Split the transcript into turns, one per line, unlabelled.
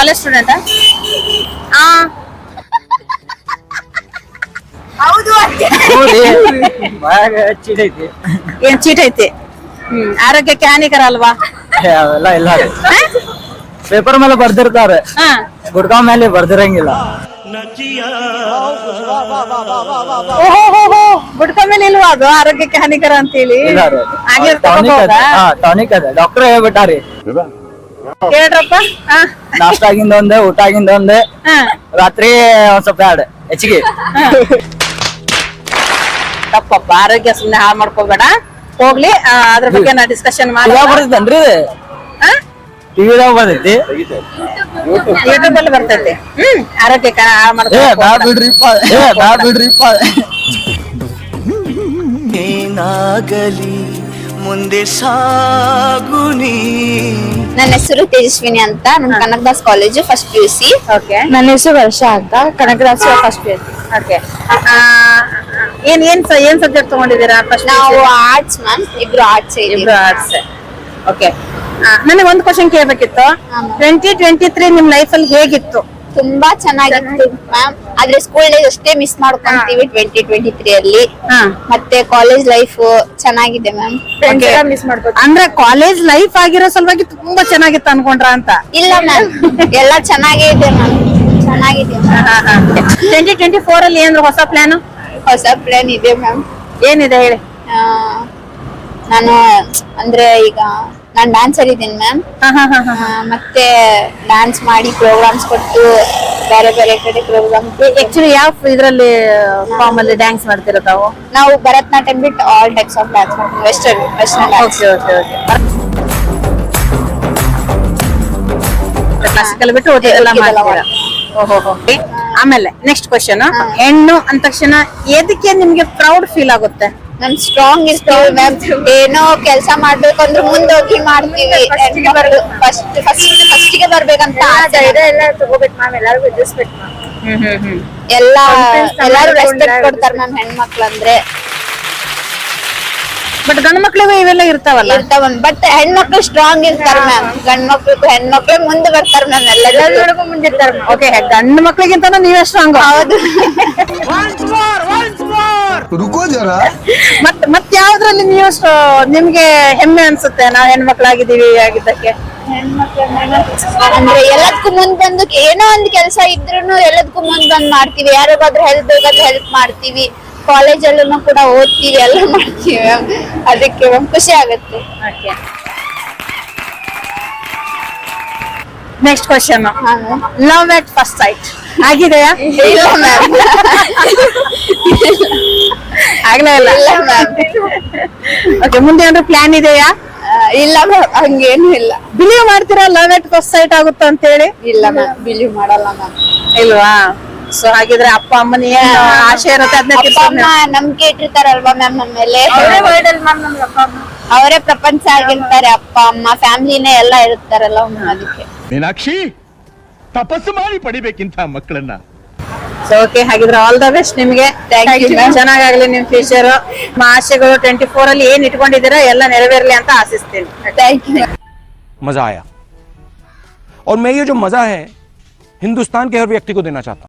College ಸ್ಟೂಡೆಂಟಾ? ಆ ಹೌದು. ಏನ್ ಚೀಟ್ ಐತಿ? ಆರೋಗ್ಯಕ್ಕೆ ಹಾನಿಕರ ಅಲ್ವಾ?
ಅವೆಲ್ಲ ಇಲ್ಲ ಪೇಪರ್ ಮೇಲೆ ಬರ್ದಿರ್ತಾರೆ,
ಹಾ
ಗುಡ್ಕಾ ಮೇಲೆ ಬರ್ದಿರಂಗಿಲ್ಲ.
ಗುಡ್ಕ ಮೇಲೆ ಇಲ್ವಾ ಅದು ಆರೋಗ್ಯಕ್ಕೆ ಹಾನಿಕರ ಅಂತ ಹೇಳಿ?
ಇಲ್ಲ ರೀ, ಟಾನಿಕ್ ಅದ, ಡಾಕ್ಟರ್ ಹೇಳ್ಬಿಟ್ಟಾರಿ.
ಹೇಳ್ರಪ್ಪ. ಹಾ
ನಾಷ್ಟ ಆಗಿಂದ ಒಂದೇ, ಊಟ ಆಗಿಂದ ಒಂದೇ,
ಹಾ
ರಾತ್ರಿ ಒಂದ್ ಸ್ವಲ್ಪ ಎರಡು ಹೆಚ್ಚಿಗೆ.
ತಪ್ಪಪ್ಪ, ಆರೋಗ್ಯ ಸುಮ್ನೆ ಹಾಳು ಮಾಡ್ಕೋಬೇಡ. ಹೋಗ್ಲಿ, ಅದ್ರ ಬಗ್ಗೆ ನಾ ಡಿಸ್ಕಷನ್ ಮಾಡಿ.
ಬರ್ತೈತೇನ್ರಿ? ಟಿವಿದಾಗ ಬರ್ತೈತಿ,
ಯೂಟ್ಯೂಬ್ ಅಲ್ಲಿ ಬರ್ತೈತಿ. ಆರೋಗ್ಯಕ್ಕೆ ಹಾಳು
ಬಿಡ್ರಿಪ್ಪ.
ಏನಾಗಲಿ ಮುಂದೆ ಸಾಗುನಿ.
ನನ್ನ ಹೆಸರು ತೇಜಸ್ವಿನಿ ಅಂತ, ನಮ್ Kanakadas college first PUC.
Okay.
ನನ್ನ ಹೆಸರು ವರ್ಷ ಅಂತ, ಕನಕದಾಸ್ ಫಸ್ಟ್ PUC.
ಓಕೆ. ಏನ್ ಸಬ್ಜೆಕ್ಟ್ ತಗೊಂಡಿದ್ದೀರಾ? ಫಸ್ಟ್
ನಾವು ಆರ್ಟ್ಸ್ ಮ್ಯಾಮ್, ಇಬ್ರು ಆರ್ಟ್ಸ್
ಇಬ್ರು ಆರ್ಟ್ಸ್. ಓಕೆ. ನನಗೆ ಒಂದು ಕ್ವಶನ್ ಕೇಳಬೇಕಿತ್ತು.
ಹಾ, ma'am.
2023 ನಿಮ್ ಲೈಫ್ ಅಲ್ಲಿ ಹೇಗಿತ್ತು?
ತುಂಬಾ ಚೆನ್ನಾಗಿತ್ತು ಮ್ಯಾಮ್. ಆದ್ರೆ ಸ್ಕೂಲ್ ಡೇಸ್ ಅಷ್ಟೇ ಮಿಸ್ ಮಾಡ್ಕೊಂತೀವಿ 2023 ಅಲ್ಲಿ.
ಹಾ.
ಮತ್ತೆ ಕಾಲೇಜ್ ಲೈಫ್ ಚೆನ್ನಾಗಿದೆ ಮ್ಯಾಮ್.
ಅಂದ್ರೆ ಕಾಲೇಜ್ ಲೈಫ್ ಆಗಿರೋ ಸಲುವಾಗಿ ತುಂಬಾ ಚೆನ್ನಾಗಿತ್ತು ಅನ್ಕೊಂಡ್ರ ಅಂತ?
ಇಲ್ಲ ಮ್ಯಾಮ್, ಎಲ್ಲ ಚೆನ್ನಾಗೇ ಇದೆ ಮ್ಯಾಮ್, ಚೆನ್ನಾಗಿದೆ.
2024 ಅಲ್ಲಿ ಏನಾದ್ರು ಹೊಸ ಪ್ಲಾನ್?
ಹೊಸ ಪ್ಲಾನ್ ಇದೆ ಮ್ಯಾಮ್.
ಏನಿದೆ ಹೇಳಿ.
ನಾನು ಅಂದ್ರೆ ಈಗ ನಾನ್ ಡ್ಯಾನ್ಸರ್ ಇದ್ದೀನಿ ಮ್ಯಾಮ್. ಮತ್ತೆ ಡ್ಯಾನ್ಸ್ ಮಾಡಿ ಪ್ರೋಗ್ರಾಮ್ಸ್ ಕೊಟ್ಟು ಬೇರೆ ಬೇರೆ ಕಡೆ ಪ್ರೋಗ್ರಾಮ್.
ಆಕ್ಚುಲಿ ಯಾವ ಇದ್ರಲ್ಲಿ ಫಾರ್ಮ್ ಅಲ್ಲಿ ಡ್ಯಾನ್ಸ್ ಮಾಡ್ತಿರೋ ತಾವು?
ನಾವು ಭರತನಾಟ್ಯಂ ಬಿಟ್ಟು ಆಲ್ ಟೈಪ್ಸ್ ಆಫ್ ಡ್ಯಾನ್ಸ್ ಮಾಡ್ತೀವಿ. Western dance.
ಕ್ಲಾಸಿಕಲ್ ಬಿಟ್ಟು ಓದಿದೆಲ್ಲ ಮಾಡ್ತೀರಾ? ಆಮೇಲೆ ನೆಕ್ಸ್ಟ್ ಕ್ವಶನ್. ಹೆಣ್ಣು ಅಂದ ತಕ್ಷಣ ಎದಕ್ಕೆ ನಿಮ್ಗೆ ಪ್ರೌಡ್ ಫೀಲ್ ಆಗುತ್ತೆ?
ನಮ್ ಸ್ಟ್ರಾಂಗ್ ಇರ್ತೀವಿ ಮ್ಯಾಮ್. ಏನೋ ಕೆಲಸ ಮಾಡ್ಬೇಕಂದ್ರೆ ಮುಂದೋಗಿ ಮಾಡ್ತೀವಿ. ಫಸ್ಟ್ ಗೆ ಬರ್ಬೇಕಂತ ಎಲ್ಲಾರು ರೆಸ್ಪೆಕ್ಟ್ ಕೊಡ್ತಾರೆ ಮ್ಯಾಮ್ ಹೆಣ್ಮಕ್ಳು ಅಂದ್ರೆ.
ಬಟ್ ಗಂಡು ಮಕ್ಳಿಗೂ ಇವೆಲ್ಲ ಇರ್ತಾವಲ್ಲ?
ಇರ್ತಾವ, ಬಟ್ ಹೆಣ್ಮಕ್ಳು ಸ್ಟ್ರಾಂಗ್ ಇರ್ತಾರೆ ಮ್ಯಾಮ್. ಗಂಡ್ ಮಕ್ಳು ಹೆಣ್ಮಕ್ಳು ಮುಂದೆ ಬರ್ತಾರೆ ಮ್ಯಾಮ್. ಎಲ್ಲರಿಗೂ ಮುಂದಿರ್ತಾರೆ.
ಓಕೆ, ಗಂಡು ಮಕ್ಳಿಗಿಂತ ನೀವೇ ಸ್ಟ್ರಾಂಗ್? ಹೌದು. ಮತ್ ಯಾವ್ದ್ರಲ್ಲಿ ನೀವು ನಿಮ್ಗೆ ಹೆಮ್ಮೆ ಅನ್ಸುತ್ತೆ ನಾವ್ ಹೆಣ್ಮಕ್ಳಾಗಿದ್ದೀವಿ ಆಗಿದ್ದಕ್ಕೆ?
ಅಂದ್ರೆ ಎಲ್ಲದಕ್ಕೂ ಮುಂದ್ ಬಂದು ಏನೋ ಒಂದ್ ಕೆಲಸ ಇದ್ರೂನು ಎಲ್ಲದಕ್ಕೂ ಮುಂದ್ ಬಂದ್ ಮಾಡ್ತೀವಿ. ಯಾರಿಗಾದ್ರೂ ಹೆಲ್ಪ್ ಬೇಕಾದ್ರೆ ಹೆಲ್ಪ್ ಮಾಡ್ತೀವಿ. ಕಾಲೇಜಲ್ಲೂ ಕೂಡ ಓದ್ತೀವಿ, ಎಲ್ಲ ಮಾಡ್ತೀವಿ ಮ್ಯಾಮ್. ಅದಕ್ಕೆ ಮ್ಯಾಮ್ ಖುಷಿ ಆಗುತ್ತೆ.
Next question. Love at first sight ಆಗಿದೆಯಾ?
ಇಲ್ಲ ಮ್ಯಾಮ್,
ಆಗ್ಲೇ ಇಲ್ಲ.
ಇಲ್ಲ ಮ್ಯಾಮ್.
ಓಕೆ, ಮುಂದೆ ಏನಾದ್ರು ಪ್ಲಾನ್ ಇದೆಯಾ?
ಇಲ್ಲ ಮ್ಯಾಮ್, ಹಂಗೇನು ಇಲ್ಲ.
ಬಿಲೀವ್ ಮಾಡ್ತೀರಾ ಲವ್ ಎಟ್ ಫಸ್ಟ್ ಸೈಟ್ ಆಗುತ್ತಾ ಅಂತ ಹೇಳಿ?
ಇಲ್ಲ ಮ್ಯಾಮ್, ಬಿಲೀವ್ ಮಾಡಲ್ಲ ಮ್ಯಾಮ್.
ಇಲ್ವಾ? ಸೊ ಹಾಗಿದ್ರೆ ಅಪ್ಪ ಅಮ್ಮನ ಏನ್ ಆಶೆ ಇರುತ್ತೆ ಅದನ್ನ
ಅಪ್ಪ ಅಮ್ಮ ನಂಬಿಕೆ ಇಟ್ಟಿರ್ತಾರಲ್ವಾ ಮ್ಯಾಮ್ ನಮ್ಮ ಮೇಲೆ. ಅವರೇ ಪ್ರಪಂಚ ಆಗಿರ್ತಾರೆ. ಅಪ್ಪ ಅಮ್ಮ ಫ್ಯಾಮಿಲಿನೇ ಎಲ್ಲ ಇರುತ್ತಾರಲ್ಲ ಮ್ಯಾಮ್, ಅದಕ್ಕೆ.
ಮೀನಾಕ್ಷಿ, ತಪಸ್ಸು ಮಾಡಿ ಪಡಿಬೇಕಿಂತ ಮಕ್ಕಳನ್ನ.
ಸೊ ಓಕೆ, ಹಾಗಿದ್ರೆ ಆಲ್ ದ ಬೆಸ್ಟ್ ನಿಮ್ಗೆ. ಚೆನ್ನಾಗಾಗ್ಲಿ ನಿಮ್ ಫ್ಯೂಚರ್. ನಿಮ್ಮ ಆಶೆಗಳು 24 ಅಲ್ಲಿ ಏನ್ ಇಟ್ಕೊಂಡಿದ್ದೀರಾ ಎಲ್ಲ ನೆರವೇರ್ಲಿ ಅಂತ ಆಶಿಸ್ತೀನಿ.
Thank you.
मजा आया और मैं ये जो मजा है हिंदुस्तान के हर व्यक्ति को देना चाहता हूं।